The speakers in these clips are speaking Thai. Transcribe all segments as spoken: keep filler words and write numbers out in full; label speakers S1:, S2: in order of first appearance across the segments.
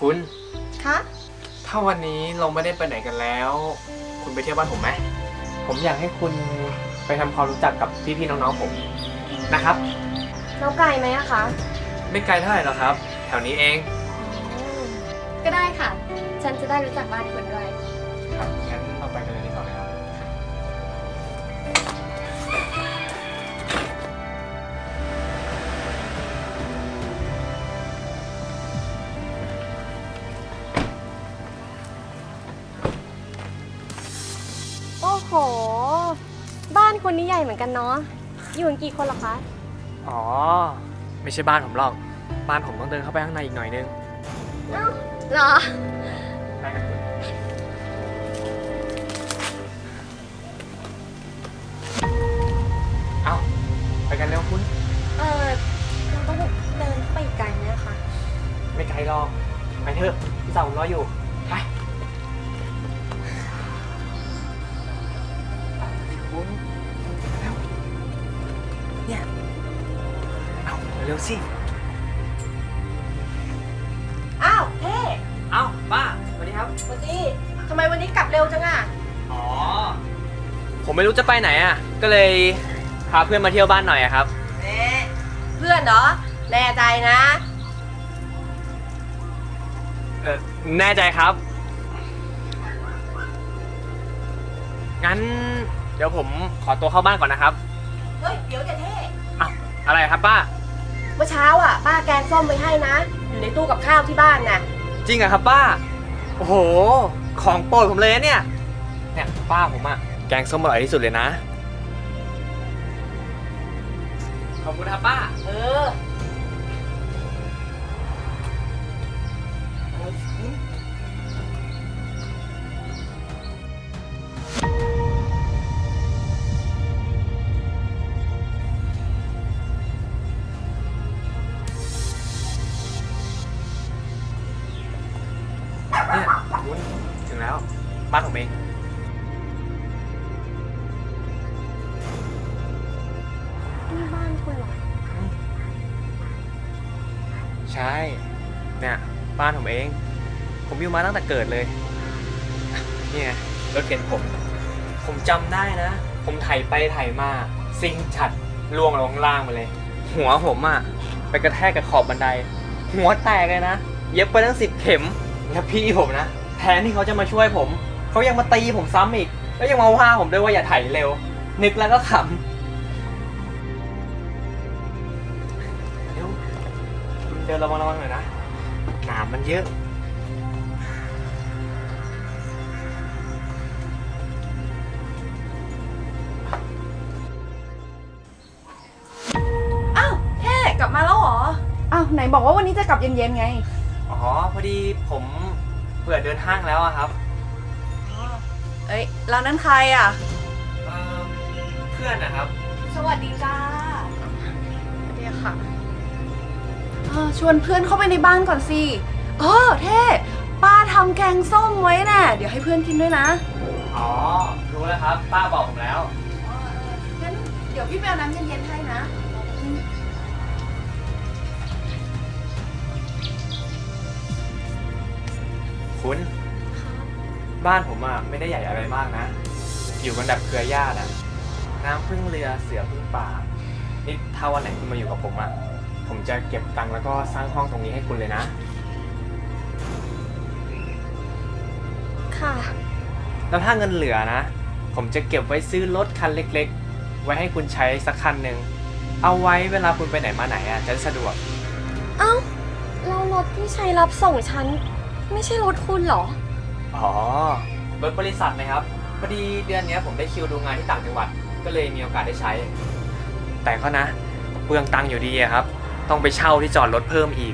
S1: คุณ
S2: คะ
S1: ถ้าวันนี้เราไม่ได้ไปไหนกันแล้ว คุณไปเที่ยวบ้านผมไหมผมอยากให้คุณไปทำความรู้จักกับพี่ๆน้องๆผมนะครับ
S2: แล้วไกลไหมอะคะ
S1: ไม่ไกลเท่าไหร่หรอกครับ แถวนี้เอง
S2: ก็ได้ค่ะ ฉันจะได้รู้จักบ้านคุณด้วย
S1: ครับงั้นเราไปกันเลยดีกว่าไหมครับ
S2: โอ้โห บ้านคุณนี่ใหญ่เหมือนกันเนาะ อยู่กันกี่คนหรอคะ
S1: อ๋อไม่ใช่บ้านผมหรอกบ้านผมต้องเดินเข้าไปข้างในอีกหน่อยนึง
S2: เอ้าเหรอ
S1: ไปกันคุณเอ้าไปกันเร็วคุณ
S2: เออเราต้องเดินไปไกลไหมคะ
S1: ไม่ไกลหรอกไปเถอะพี่สาวผมรออยู่ไปคุณเร็วเนี่ยเอาเร็วสิ
S2: อ้าวเท่
S1: เอาป้าสวัสดีครับ
S2: วันนี้ทำไมวันนี้กลับเร็วจังอะ
S1: อ๋อผมไม่รู้จะไปไหนอ่ะก็เลยพาเพื่อนมาเที่ยวบ้านหน่อยอะครับ
S2: เน่เพื่อนเหรอ แน่ใจนะ
S1: เออแน่ใจครับงั้นเดี๋ยวผมขอตัวเข้าบ้านก่อนนะครับ
S2: เฮ้ย เดี๋ยวจะเท่
S1: อ้าวอะไรครับป้า
S2: เมื่อเช้าอ่ะป้าแกงส้มไว้ให้นะ อยู่ในตู้กับข้าวที่บ้านน่ะ
S1: จริงอะครับป้าโอ้โหของโปรดผมเลยนะเนี่ยเนี่ยป้าผมอะแกงส้มอร่อยที่สุดเลยนะขอบคุณครับป้า
S2: เออ
S1: เนี่ยคุณถึงแล้วบ้านผมเอง
S2: นี่บ้านคุณเหรอ
S1: ใช่เนี่ยบ้านผมเองผมอยู่มาตั้งแต่เกิดเลยเนี่ยรถเข็นผมผมจำได้นะผมไถไปไถมาซิงฉัดล่วงลงล่างมาเลยหัวผมอะไปกระแทกกับขอบบันไดหัวแตกเลยนะเย็บไปตั้งสิบเข็มแล้วพี่ผมนะแทนที่เขาจะมาช่วยผมเขายังมาตีผมซ้ำอีกแล้วยังมาว่าผมด้วยว่าอย่าไถเร็วนึกแล้วก็ขำเร็วเดินระวังระวังหน่อยนะหนามมันเยอะ
S2: อ้าวเท่กลับมาแล้วเหรอ
S3: อ้าวไหนบอกว่าวันนี้จะกลับเย็นๆไง
S1: อ๋อพอดีผมเบื่อเดินห้างแล้วอะครับ
S3: เอ้ยแล้วนั่นใครอ่ะ
S1: เอ่อเพื่อนนะครับ
S3: สวัสดีจ้าเดี๋ยวค่ะเออชวนเพื่อนเข้าไปในบ้านก่อนสิเออเท่ป้าทำแกงส้มไว้น่ะเดี๋ยวให้เพื่อนกินด้วยนะ
S1: อ๋อรู้แล้วครับป้าบอกผมแล้ว
S3: เออเอองั้นเดี๋ยวพี่ไปเอาน้ำเย็นๆให้นะ
S1: คุณบ้านผมอะไม่ได้ใหญ่อะไรมากนะ อยู่กันแบบเครือญาติอะน้ำพึ่งเรือเสือพึ่งป่านี่ถ้าวันไหนคุณมาอยู่กับผมอะผมจะเก็บตังค์แล้วก็สร้างห้องตรงนี้ให้คุณเลยนะ
S2: ค่ะ
S1: แล้วถ้าเงินเหลือนะผมจะเก็บไว้ซื้อรถคันเล็กๆไว้ให้คุณใช้สักคันหนึ่งเอาไว้เวลาคุณไปไหนมาไหนอะจะได้สะดวก
S2: เอ้าเรารถที่ใช้รับส่งฉัน ไม่ใช่รถคุณเหรอ
S1: อ๋อรถบริษัทนะครับพอดีเดือนนี้ผมได้คิวดูงานที่ต่างจังหวัดก็เลยมีโอกาสได้ใช้ แต่ก็นะเปลืองตังค์อยู่ดีอะครับต้องไปเช่าที่จอดรถเพิ่มอีก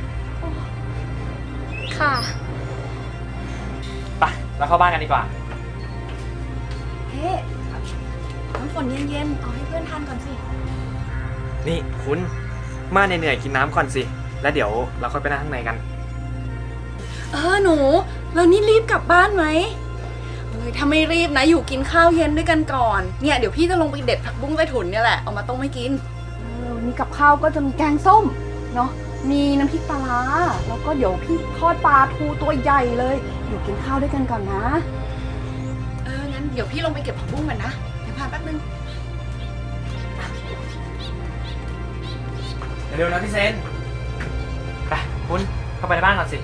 S2: ค่ะ
S1: ไปแล้วเข้าบ้านกันดีกว่า
S3: เฮ้น้ำฝนเย็นๆเอาให้เพื่อนทานก่อนสิ
S1: นี่คุณมาเหนื่อยๆกินน้ำก่อนสิแล้วเดี๋ยวเราค่อยไปนั่งข้างในกัน
S3: เออหนูเรานี่รีบกลับบ้านไหมเอ้ยถ้าไม่รีบนะอยู่กินข้าวเย็นด้วยกันก่อนเนี่ยเดี๋ยวพี่จะลงไปเด็ดผักบุ้งใต้ถุนเนี่ยแหละเอามาต้มให้กินเออวันนี้กับข้าวก็จะมีแกงส้มเนาะมีน้ำพริกปลาร้าแล้วก็เดี๋ยวพี่ทอดปลาทูตัวใหญ่เลยเดี๋ยวกินข้าวด้วยกันก่อนนะ เอองั้นเดี๋ยวพี่ลงไปเก็บผักบุ้งก่อนนะเดี๋ยวพาแป๊บนึง
S1: เร็วๆนะพี่เซน ไปคุณเข้าไปในบ้านก่อนสิ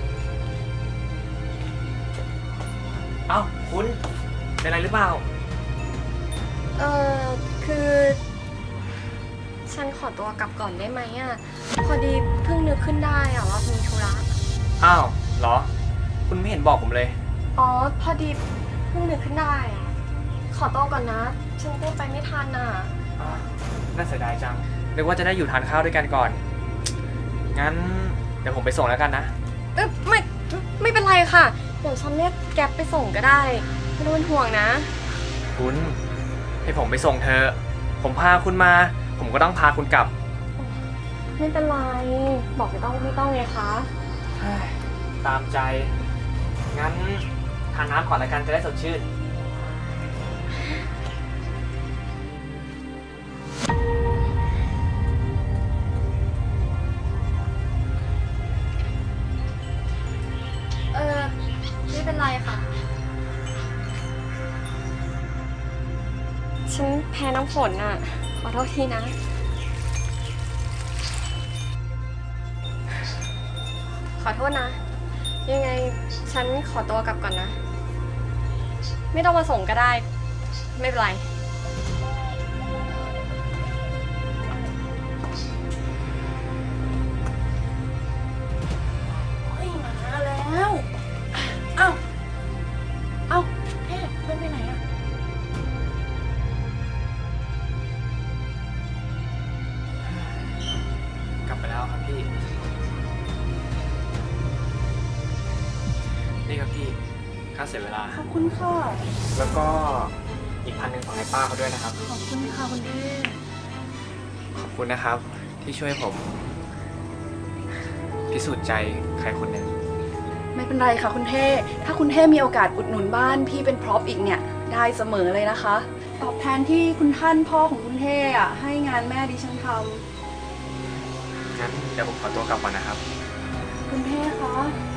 S1: เอ้าคุณเป็นอะไรหรือเปล่า
S2: เออคือ ฉันขอตัวกลับก่อนได้ไหมอ่ะ พอดีเพิ่งนึกขึ้นได้อ่ะว่ามีธุระ
S1: อ้าวเหรอ คุณไม่เห็นบอกผมเลย
S2: อ๋อ พอดีเพิ่งนึกขึ้นได้อ่ะ ขอตัวก่อนนะ ฉันก็ไปไม่ทันอ่ะ
S1: อ่าน่าเสียดายจังนึกว่าจะได้อยู่ทานข้าวด้วยกันก่อน งั้นเดี๋ยวผมไปส่งแล้วกันนะ
S2: เออไม่ไม่เป็นไรค่ะ เดี๋ยวฉันเรียกแก๊ปไปส่งก็ได้ไม่ต้องเป็นห่วงนะ
S1: คุณให้ผมไปส่งเธอ ผมพาคุณมา ผมก็ต้องพาคุณกลับ
S2: ไม่เป็นไร บอกไม่ต้องไม่ต้องไงคะ
S1: เฮ้ยตามใจ งั้นทานน้ำก่อนละกันจะได้สดชื่น
S2: เออไม่เป็นไรค่ะ ฉันแพ้น้ำฝนอ่ะ ขอโทษทีนะ ขอโทษนะ ยังไงฉันขอตัวกลับก่อนนะ ไม่ต้องมาส่งก็ได้ ไม่เป็นไร
S3: เฮ้ยมาแล้วเอ้าเอ้าเอ๊ะเพื่อนไปไหนอะ
S1: กลับไปแล้วครับพี่ นี่ครับพี่ ค่าเสียเวลา
S3: ขอบคุณค่ะ
S1: แล้วก็อีกพันหนึ่งของให้ป้าเขาด้วยนะครับ
S3: ขอบคุณค่ะคุณเท่
S1: ขอบคุณนะครับ ที่ช่วยผม พิสูจน์ใจใครคนหนึ่ง
S3: ไม่เป็นไรค่ะคุณเท่ถ้าคุณเท่มีโอกาสอุดหนุนบ้านพี่เป็นพร็อพอีกเนี่ยได้เสมอเลยนะคะ ตอบแทนที่คุณท่านพ่อของคุณเท่อะให้งานแม่ดิฉันท
S1: งั้นเดี๋ยวผมขอตัวกลับก่อนนะครับ
S3: ำคุณเท่คะ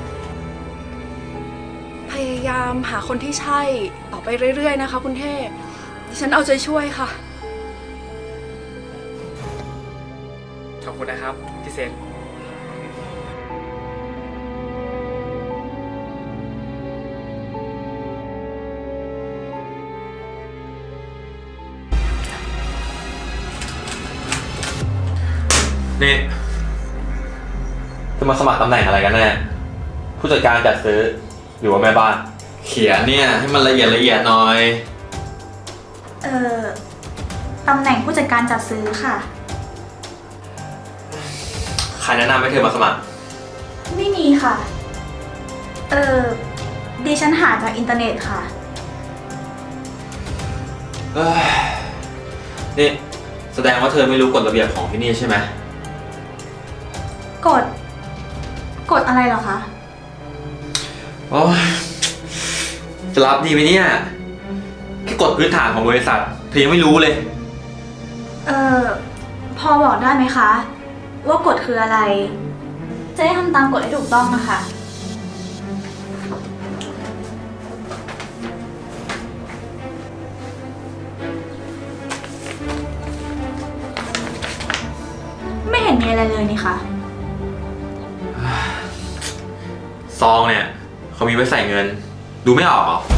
S3: พยายามหาคนที่ใช่ ต่อไปเรื่อยๆนะคะ คุณเท่ดิฉันเอาใจช่วยค่ะ
S1: ขอบคุณนะครับพี่เซน
S4: นี่จะมาสมัครตำแหน่งอะไรกันแน่ผู้จัดการจัดซื้อหรือว่าแม่บ้าน เขียนเนี่ยให้มันละเอียดละเอียดหน่อย
S5: เอ่อ ตำแหน่งผู้จัดการจัดซื้อค่ะ
S4: ใครแนะนำให้เธอมาสมัคร
S5: ไม่มีค่ะ เอ่อ ดิฉันหาจากอินเทอร์เน็ตค่ะ
S4: เอ้ยนี่แสดงว่าเธอไม่รู้กฎระเบียบของที่นี่ใช่ไหม
S5: กด กดอะไรเหรอคะ
S4: โอ้ยจะรับดีไหมเนี่ยแค่กฎพื้นฐานของบริษัทเธอยังไม่รู้เลย
S5: เอ่อ พอบอกได้ไหมคะ ว่ากฎคืออะไร จะได้ทำตามกฎให้ถูกต้องนะคะ ไม่เห็นมีอะไรเลยนี่คะ
S4: ซองเนี่ยเขามีไว้ใส่เงิน ดูไม่ออกเหรอ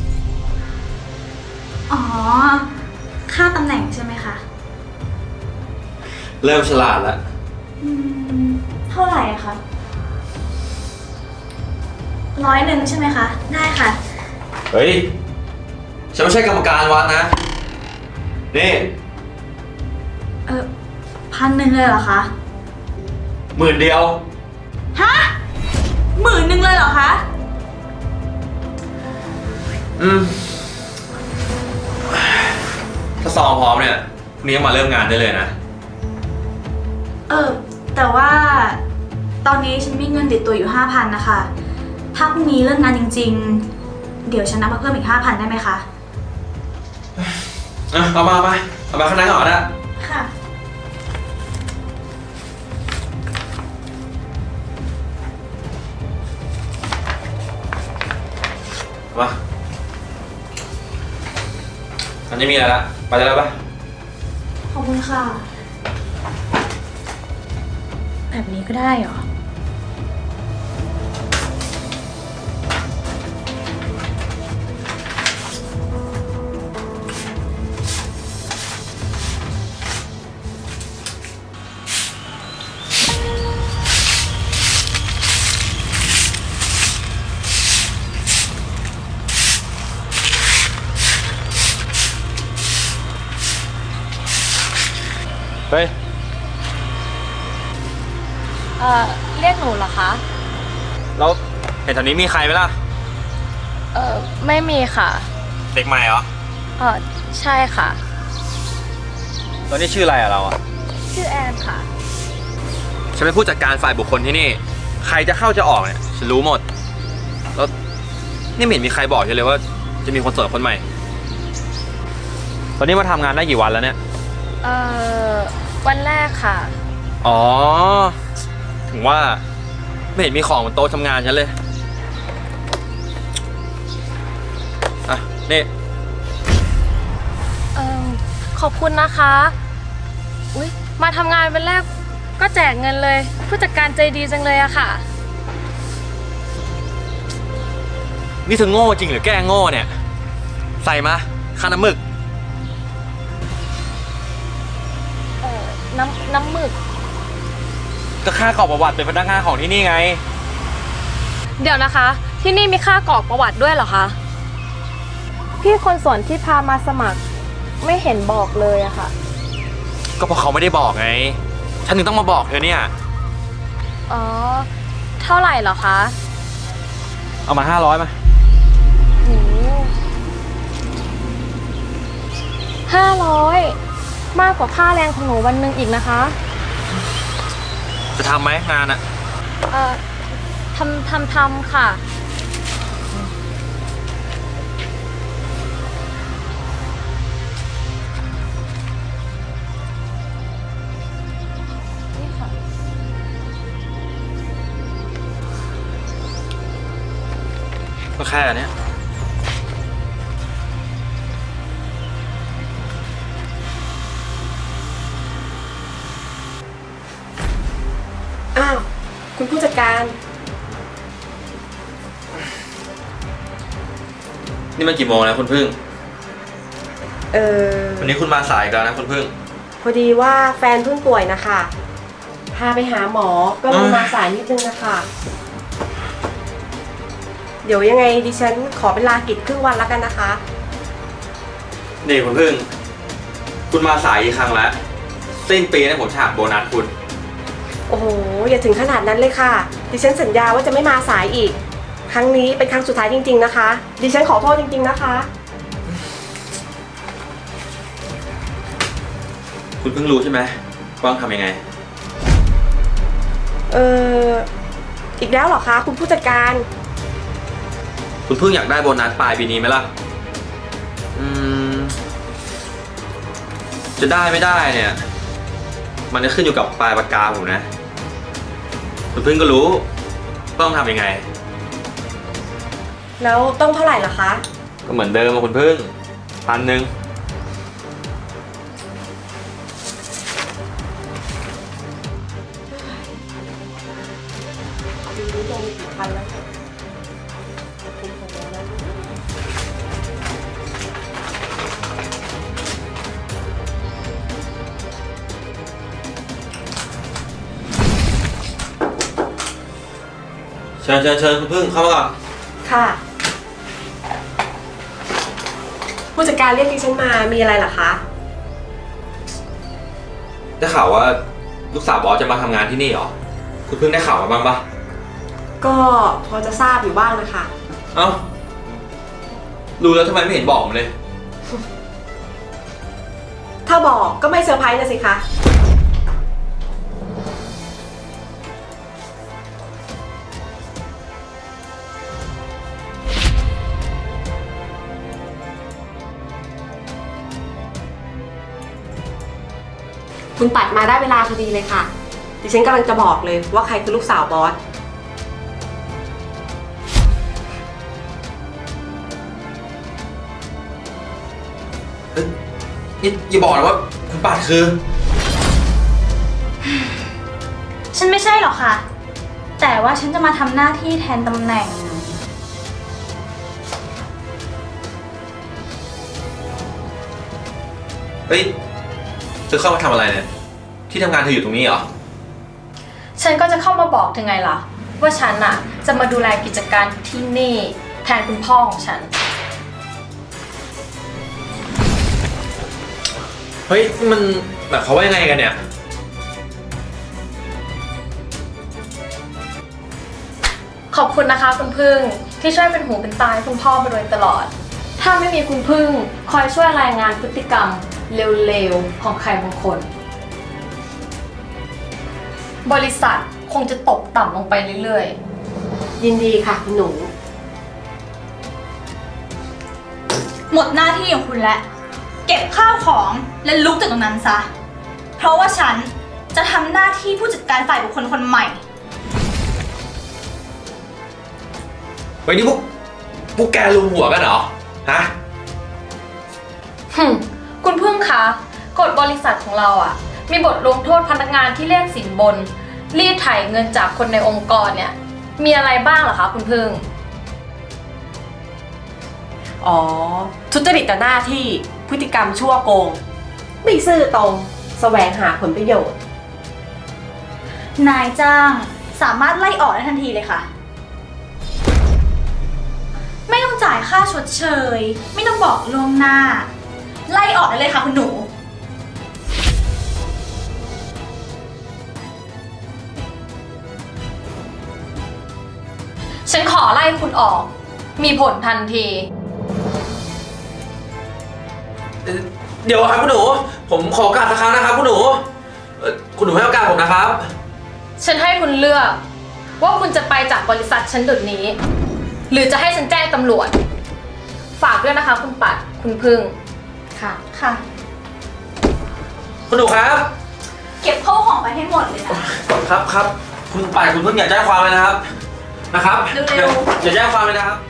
S5: อ๋อ ค่าตำแหน่งใช่ไหมคะ
S4: เริ่มฉลาดแล้ว
S5: อืม เท่าไหร่อะคะร้อยหนึ่งใช่ไหมคะ ได้ค่ะ
S4: เฮ้ยฉันไม่ใช่กรรมการวัดนะนี่
S5: เออพันหนึ่งเลยเหรอคะ
S4: หมื่นเดียว
S5: ฮะหมื่นหนึ่งเลยเหรอคะ
S4: อืมถ้าซองพร้อมเนี่ยพรุ่งนี้มาเริ่มงานได้เลยนะ
S5: เออ แต่ว่าตอนนี้ฉันมีเงินติดตัวอยู่ห้าพันนะคะ ถ้าพรุ่งนี้เลิกงานจริงๆ เดี๋ยวฉันนับมาเพิ่มอีกห้าพันได้ไหมคะ
S4: อ่ะเอามาเอามาเอามาข้างในก่อนนะ
S5: ค่ะ
S4: มาอันนี้มีอะไรละไปได้แล้วปะ
S5: ขอบคุณค่ะ แบบนี้ก็ได้เหรอ
S4: เฮ้ย
S2: เอ่อ เรียกหนูเหรอคะ
S4: แล้วเห็นแถวนี้มีใครไหมล่ะ
S2: เอ่อ ไม่มีค่ะ
S4: เด็กใหม่เหรอ
S2: เอ่อ ใช่ค่ะ
S4: แล้วนี่ชื่ออะไรอะเราอะ
S2: ชื่อแอนค่ะ
S4: ฉันเป็นผู้จัดการฝ่ายบุคคลที่นี่ ใครจะเข้าจะออกเนี่ยฉันรู้หมด แล้วนี่ไม่เห็นมีใครบอกฉันเลยว่าจะมีคนโสดคนใหม่ ตอนนี้มาทำงานได้กี่วันแล้วเนี่ย
S2: เอ่อ วันแรกค่ะ
S4: อ๋อ ถึงว่าไม่เห็นมีของบนโต๊ะทำงานฉันเลย อ่ะ นี่
S2: เอ่อ ขอบคุณนะคะ อุ๊ย มาทำงานวันแรกก็แจกเงินเลย ผู้จัดการใจดีจังเลยอะค่ะ
S4: นี่เธอโง่จริงหรือแกล้งโง่เนี่ย ใส่มาค่าน้ำหมึก
S2: เอ่อ น้ำน้ำหมึก
S4: ก็ค่ากรอกประวัติเป็นพนักงานของที่นี่ไง
S2: เดี๋ยวนะคะ ที่นี่มีค่ากรอกประวัติด้วยเหรอคะ พี่คนสวนที่พามาสมัครไม่เห็นบอกเลยอะค่ะ
S4: ก็เพราะเขาไม่ได้บอกไง ฉันถึงต้องมาบอกเธอเนี่ย
S2: อ๋อ เท่าไหร่เหรอคะ
S4: เอามาห้าร้อยมา
S2: โหห้าร้อยมากกว่าค่าแรงของหนูวันหนึ่งอีกนะคะ
S4: จะทำไหมงานอะ
S2: เอ่อทำทำทำค่ะ นี่ค่ะ
S4: ก็แค่เนี้ย
S3: อ้าว คุณผู้จัดการ
S4: นี่มันกี่โมงแล้วคุณพึ่ง
S6: เออ
S4: วันนี้คุณมาสายอีกแล้วนะคุณพึ่ง
S6: พอดีว่าแฟนเพิ่งป่วยนะคะ พาไปหาหมอก็เลย
S4: อ่าม
S6: มาสายนิดนึงนะคะ เดี๋ยวยังไงดิฉันขอเป็นลากิจครึ่งวันแล้วกันนะคะ
S4: นี่คุณพึ่ง คุณมาสายอีกครั้งแล้วสิ้นปีนะผมฉากโบนัสคุณ
S6: โอ้โห อย่าถึงขนาดนั้นเลยค่ะ ดิฉันสัญญาว่าจะไม่มาสายอีก ครั้งนี้เป็นครั้งสุดท้ายจริงๆนะคะ ดิฉันขอโทษจริงๆนะคะ
S4: คุณเพิ่งรู้ใช่ไหมว่าต้องทำยังไง
S6: เอออีกแล้วเหรอคะคุณผู้จัดการ
S4: คุณเพิ่งอยากได้โบนัสปลายปีนี้ไหมล่ะ อืม จะได้ไม่ได้เนี่ย มันจะขึ้นอยู่กับปลายปากกาผมนะ คุณเพิ่งก็รู้ว่าต้องทำยังไง
S6: แล้วต้องเท่าไหร่ล่ะคะ
S4: ก็เหมือนเดิมอะคุณเพิ่งพันหนึ่ง
S6: ดูรู้ลงกี่พันแล้วค่ะคุณของเราแล้ว
S4: เชิญเชิญเชิญคุณเพิ่งเข้ามาก่อน
S6: ค่ะ ผู้จัดการเรียกดิฉันมามีอะไรเหรอคะ
S4: ได้ข่าวว่าลูกสาวบอสจะมาทำงานที่นี่เหรอ คุณเพิ่งได้ข่าวมาบ้างปะ
S6: ก็พอจะทราบอยู่บ้างนะคะ
S4: เอ้า รู้แล้วทำไมไม่เห็นบอกผมเลย
S6: ถ้าบอกก็ไม่เซอร์ไพรส์นะสิคะ คุณปัดมาได้เวลาพอดีเลยค่ะ ดิฉันกำลังจะบอกเลยว่าใครคือลูกสาวบอส
S4: นี่อย่าบอกนะว่าคุณปัดคือ
S5: ฉันไม่ใช่หรอกค่ะ แต่ว่าฉันจะมาทำหน้าที่แทนตำแหน่ง
S4: เฮ้ยเธอเข้ามาทำอะไรเนี่ย ที่ทำงานเธออยู่ตรงนี้เหรอ
S2: ฉันก็จะเข้ามาบอกเธอไงล่ะ ว่าฉันอะจะมาดูแลกิจการที่นี่แทนคุณพ่อของฉัน
S4: เฮ้ยมันแบบเขามว่ายังไงกันเนี่ย
S2: ขอบคุณนะคะคุณพึ่งที่ช่วยเป็นหูเป็นตาให้คุณพ่อมาโดยตลอด ถ้าไม่มีคุณพึ่งคอยช่วยรายงานพฤติกรรมเร็วๆของใครบางคน บริษัทคงจะตกต่ำลงไปเรื่อยๆ
S6: ยินดีค่ะคุณหนู
S5: หมดหน้าที่ของคุณแล้ว เก็บข้าวของและลุกจากตรงนั้นซะ เพราะว่าฉันจะทำหน้าที่ผู้จัดการฝ่ายบุคคลคนใหม่
S4: เฮ้ยนี่พวกพวกแกลุมหัวกันเหรอ ฮะ
S2: หึ่มคุณพึ่งคะกฎบริษัทของเราอ่ะ มีบทลงโทษพนักงานที่เรียกสินบน รีดไถเงินจากคนในองค์กรเนี่ย มีอะไรบ้างเหรอคะคุณพึ่ง
S6: อ๋อ ทุจริตต่อหน้าที่พฤติกรรมชั่วโกง ไม่ซื่อตรง แสวงหาผลประโยชน์
S5: นายจ้างสามารถไล่ออกได้ทันทีเลยค่ะ ไม่ต้องจ่ายค่าชดเชย ไม่ต้องบอกล่วงหน้า ไล่ออกได้เลยค่ะคุณหนู
S2: ฉันขอไล่คุณออก มีผลทันที
S4: เดี๋ยวครับคุณหนู ผมขอโอกาสสักครั้งนะครับคุณหนูเอ่อคุณหนูให้โอกาสผมนะครับ
S2: ฉันให้คุณเลือก ว่าคุณจะไปจากบริษัทฉันเดี๋ยวนี้ หรือจะให้ฉันแจ้งตำรวจ ฝากด้วยนะคะคุณปัดคุณพึ่งค่ะ
S5: ค่ะ
S4: คุณหนูครับ
S5: เก็บข้าวของไปให้หมดเลยนะ
S4: ครับครับ คุณป่ายคุณเพิ่งอย่าแจ้งความเลยนะครับ นะครับ
S5: เร็ว
S4: ๆอย่าแจ้งความเลยนะครับ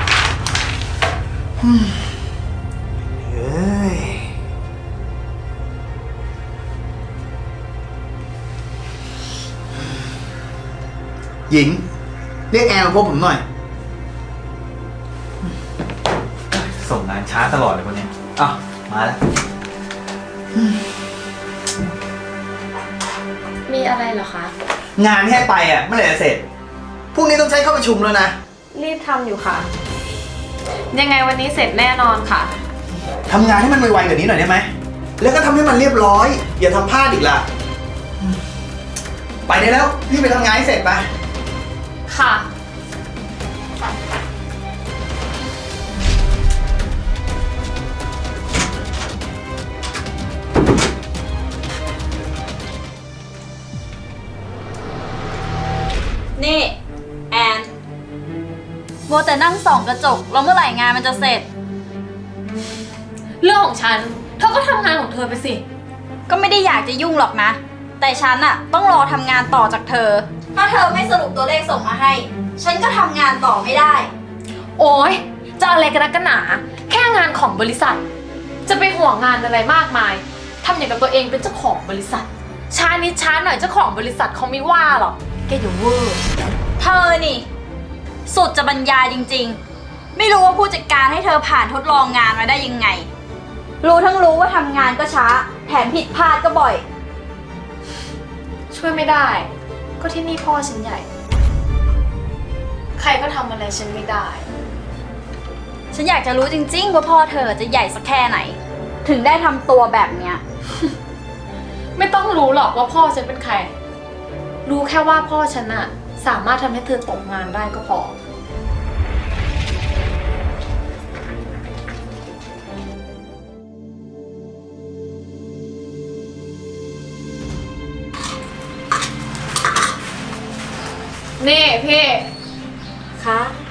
S7: เฮ้ยหญิง เรียกแอนมาพบผมหน่อย ส่งงานช้าตลอดเลยคนนี้อ้าวมาแล้ว
S2: มีอะไรเหรอคะ
S7: งานที่ให้ไปอ่ะเมื่อไหร่จะเสร็จ พรุ่งนี้ต้องใช้เข้าประชุมแล้วนะ
S2: รีบทำอยู่ค่ะ ยังไงวันนี้เสร็จแน่นอนค่ะ
S7: ทำงานให้มันไวๆกว่านี้หน่อยได้ไหม แล้วก็ทำให้มันเรียบร้อย อย่าทำพลาดอีกล่ะ ไปได้แล้ว พี่ไปทำงานให้เสร็จไป
S2: ค่ะ
S5: นี่ แอนมัวแต่นั่งส่องกระจกแล้วเมื่อไหร่งานมันจะเสร็จ
S2: เรื่องของฉัน เธอก็ทำงานของเธอไปสิ
S5: ก็ไม่ได้อยากจะยุ่งหรอกนะ แต่ฉันอะต้องรอทำงานต่อจากเธอ ถ้าเธอไม่สรุปตัวเลขส่งมาให้ ฉันก็ทำงานต่อไม่ได้
S2: โอ๊ย จะอะไรกันนักกันหนา แค่งานของบริษัท จะไปห่วงงานอะไรมากมาย ทำอย่างกับตัวเองเป็นเจ้าของบริษัท ช้านิดช้าหน่อยเจ้าของบริษัทเขาไม่ว่าหรอก แกอย่าเวอร์
S5: เธอนี่ สุดจะบรรยายจริงๆ ไม่รู้ว่าผู้จัดการให้เธอผ่านทดลองงานมาได้ยังไง รู้ทั้งรู้ว่าทำงานก็ช้า แถมผิดพลาดก็บ่อย
S2: ช่วยไม่ได้ ก็ที่นี่พ่อฉันใหญ่ ใครก็ทำอะไรฉันไม่ได้
S5: ฉันอยากจะรู้จริงๆว่าพ่อเธอจะใหญ่สักแค่ไหน ถึงได้ทำตัวแบบเนี้ย
S2: ไม่ต้องรู้หรอกว่าพ่อฉันเป็นใคร รู้แค่ว่าพ่อฉันอะสามารถทำให้เธอตกงานได้ก็พอ นี่พี่
S6: คะ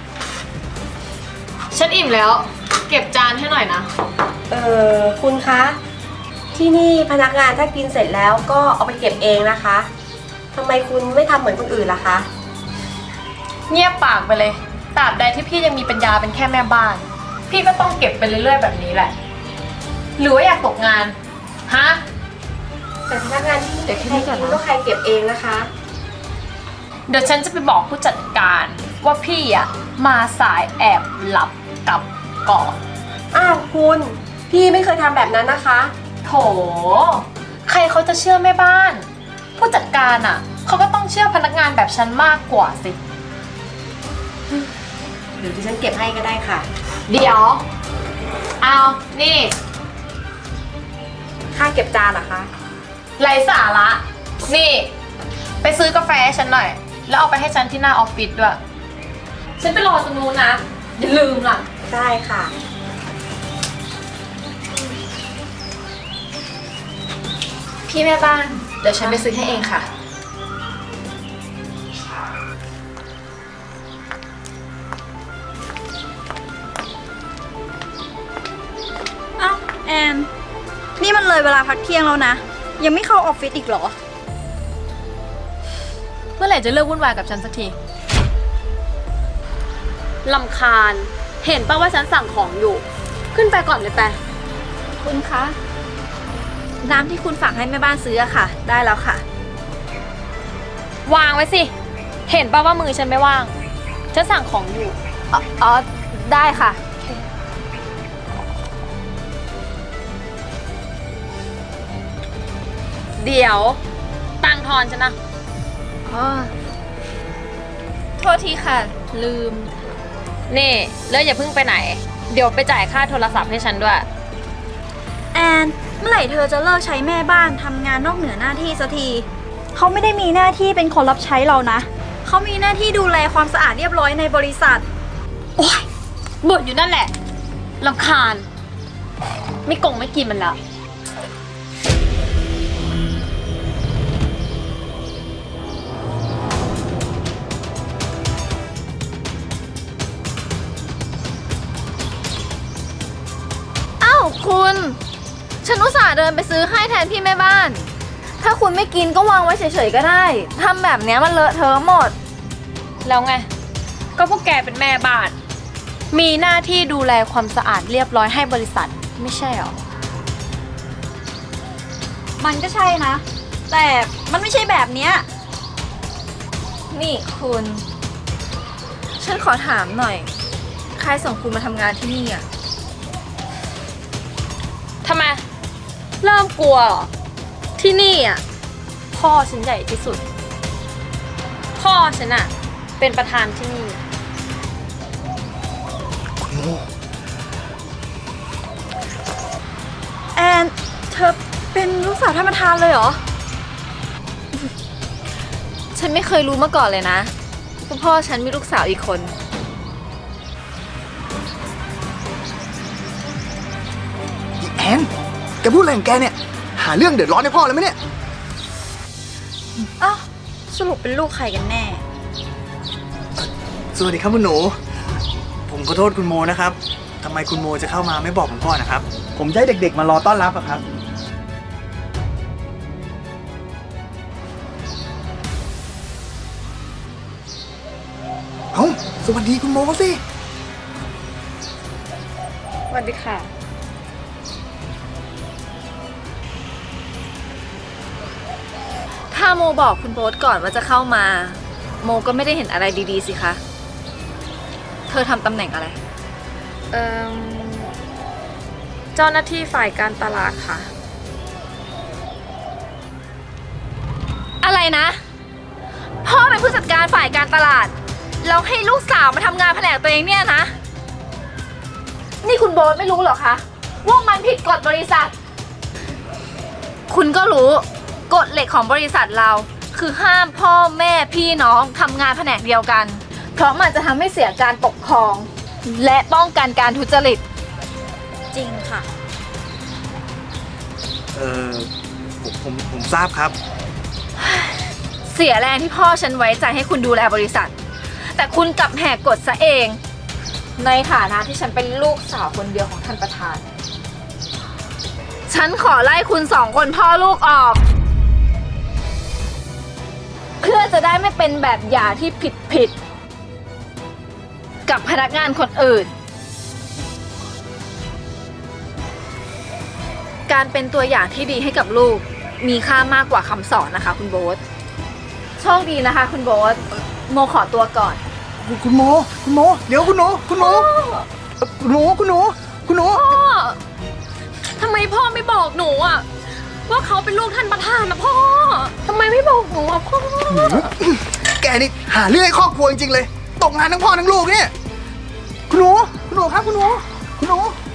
S2: ฉันอิ่มแล้ว เก็บจานให้หน่อยนะ
S6: เออคุณคะ ที่นี่พนักงานถ้ากินเสร็จแล้วก็เอาไปเก็บเองนะคะทำไมคุณไม่ทำเหมือนคนอื่นล่ะคะ
S2: เงียบปากไปเลยตราบใดที่พี่ยังมีปัญญาเป็นแค่แม่บ้าน พี่ก็ต้องเก็บไปเรื่อยๆแบบนี้แหละหรือว่าอยากตกงาน ฮะ
S6: แต่พนักงานที่
S2: เดี๋ยวแค่
S6: ใคร
S2: นี้ก่อน
S6: กิน
S2: นะ
S6: ก็ใครเก็บเองนะคะ
S2: เดี๋ยวฉันจะไปบอกผู้จัดการว่าพี่อะมาสายแอบหลับกลับก่อน
S6: อ้าวคุณ พี่ไม่เคยทำแบบนั้นนะคะ
S2: โถ ใครเขาจะเชื่อแม่บ้าน ผู้จัดการอะเขาก็ต้องเชื่อพนักงานแบบฉันมากกว่าสิ
S6: เดี๋ยวดิฉันเก็บให้ก็ได้ค่ะ
S2: เดี๋ยว เอา นี่
S6: ค่าเก็บจานเหรอคะ
S2: ไรสาระ นี่ ไปซื้อกาแฟให้ฉันหน่อย แล้วเอาไปให้ฉันที่หน้าออฟฟิศด้วย ฉันไปรอตรงนู้นนะ อย่าลืมล่ะ
S6: ได้ค่ะ
S2: พี่แม่บ้าน เดี๋ยวฉันไปซื้อให้เองค่ะ
S8: เอ้าแอน นี่มันเลยเวลาพักเที่ยงแล้วนะ ยังไม่เข้าออฟฟิศอีกเหรอ
S2: เมื่อไหร่จะเลิกวุ่นวายกับฉันสักทีลำคาญ เห็นป่ะว่าฉันสั่งของอยู่ ขึ้นไปก่อนเลยไป
S8: คุณคะ น้ำที่คุณฝากให้แม่บ้านซื้ออะค่ะ ได้แล้วค่ะ
S2: วางไว้สิ เห็นป่ะว่ามือฉันไม่ว่าง ฉันสั่งของอยู่
S8: อ๋ออ๋อได้ค่ะ
S2: เดี๋ยว ตังค์ทอนฉันนะ
S8: อ๋อ โทษทีค่ะ ลืม
S2: นี่แล้วอย่าเพิ่งไปไหน เดี๋ยวไปจ่ายค่าโทรศัพท์ให้ฉันด้วย
S8: แอน เมื่อไหร่เธอจะเลิกใช้แม่บ้านทำงานนอกเหนือหน้าที่สักที เขาไม่ได้มีหน้าที่เป็นคนรับใช้เรานะ เขามีหน้าที่ดูแลความสะอาดเรียบร้อยในบริษัท
S2: โอ๊ยบ่นอยู่นั่นแหละลำคาญ ไม่กงไม่กินมันแล้ว
S8: อ้าวคุณ ฉันอุตส่าห์เดินไปซื้อให้แทนพี่แม่บ้าน ถ้าคุณไม่กินก็วางไว้เฉยๆก็ได้ ทำแบบเนี้ยมันเลอะเทอะหมด
S2: แล้วไง ก็พวกแกเป็นแม่บ้าน มีหน้าที่ดูแลความสะอาดเรียบร้อยให้บริษัท ไม่ใช่หรอ
S8: มันก็ใช่นะ แต่มันไม่ใช่แบบเนี้ย นี่คุณ ฉันขอถามหน่อย ใครส่งคุณมาทำงานที่นี่อ่ะ
S2: ทำไม เริ่มกลัวเหรอ ที่นี่อ่ะ พ่อฉันใหญ่ที่สุด พ่อฉันอ่ะ เป็นประธานที่นี่
S8: แอน เธอเป็นลูกสาวท่านประธานเลยเหรอ ฉันไม่เคยรู้มาก่อนเลยนะว่าพ่อฉันมีลูกสาวอีกคน
S7: อีแอนแกพูดอะไรของแกเนี่ย หาเรื่องเดือดร้อนให้พ่อเลยไหมเนี่ย
S8: อ้าวสรุปเป็นลูกใครกันแน่
S7: สวัสดีครับคุณหนู ผมขอโทษคุณโมนะครับทำไมคุณโมจะเข้ามาไม่บอกผมก่อนนะครับ ผมจะให้เด็กๆมารอต้อนรับอะครับ เอ้า สวัสดีคุณโมสิ
S2: สวัสดีค่ะ
S8: ถ้าโมบอกคุณโบ๊ทก่อนว่าจะเข้ามา โมก็ไม่ได้เห็นอะไรดีๆสิคะ เธอทำตำแหน่งอะไร
S2: เอ่อ เจ้าหน้าที่ฝ่ายการตลาดค่ะ
S8: อะไรนะ พ่อเป็นผู้จัดการฝ่ายการตลาด แล้วให้ลูกสาวมาทำงานแผนกตัวเองเนี่ยนะ นี่คุณโบ๊ทไม่รู้เหรอคะ ว่ามันผิดกฎบริษัท คุณก็รู้กฎเหล็กของบริษัทเรา คือห้ามพ่อแม่พี่น้องทำงานแผนกเดียวกัน เพราะมันจะทำให้เสียการปกครอง และป้องกันการทุจริต จริงค่ะ
S7: เออผมผมผมทราบครับ
S8: เสียแรงที่พ่อฉันไว้ใจให้คุณดูแลบริษัท แต่คุณกลับแหกกฎซะเอง ในฐานะที่ฉันเป็นลูกสาวคนเดียวของท่านประธาน ฉันขอไล่คุณสองคนพ่อลูกออก เพื่อจะได้ไม่เป็นแบบอย่างที่ผิดผิดๆกับพนักงานคนอื่นการเป็นตัวอย่างที่ดีให้กับลูก มีค่ามากกว่าคำสอนนะคะ คุณโบ๊ทโชคดีนะคะ คุณโบ๊ทโมขอตัวก่อน
S7: คุณโม คุณโม เดี๋ยวคุณหนู คุณหนูคุณหนู คุณหนู คุณหนู
S2: พ่อทำไมพ่อไม่บอกหนูอะว่าเขาเป็นลูกท่านประธานนะพ่อทำไมไม่บอกหนูอะพ่อ
S7: แกนี่หาเรื่องให้ครอบครัวจริงๆเลย ตกงานทั้งพ่อทั้งลูกเนี่ย คุณหนู คุณหนูครับ คุณหนู คุณหนู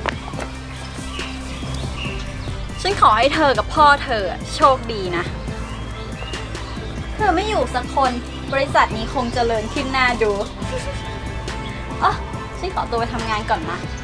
S8: ฉันขอให้เธอกับพ่อเธอโชคดีนะ เธอไม่อยู่สักคนบริษัทนี้คงเจริญขึ้นหน้าดู อ๋อ ฉันขอตัวไปทำงานก่อนนะ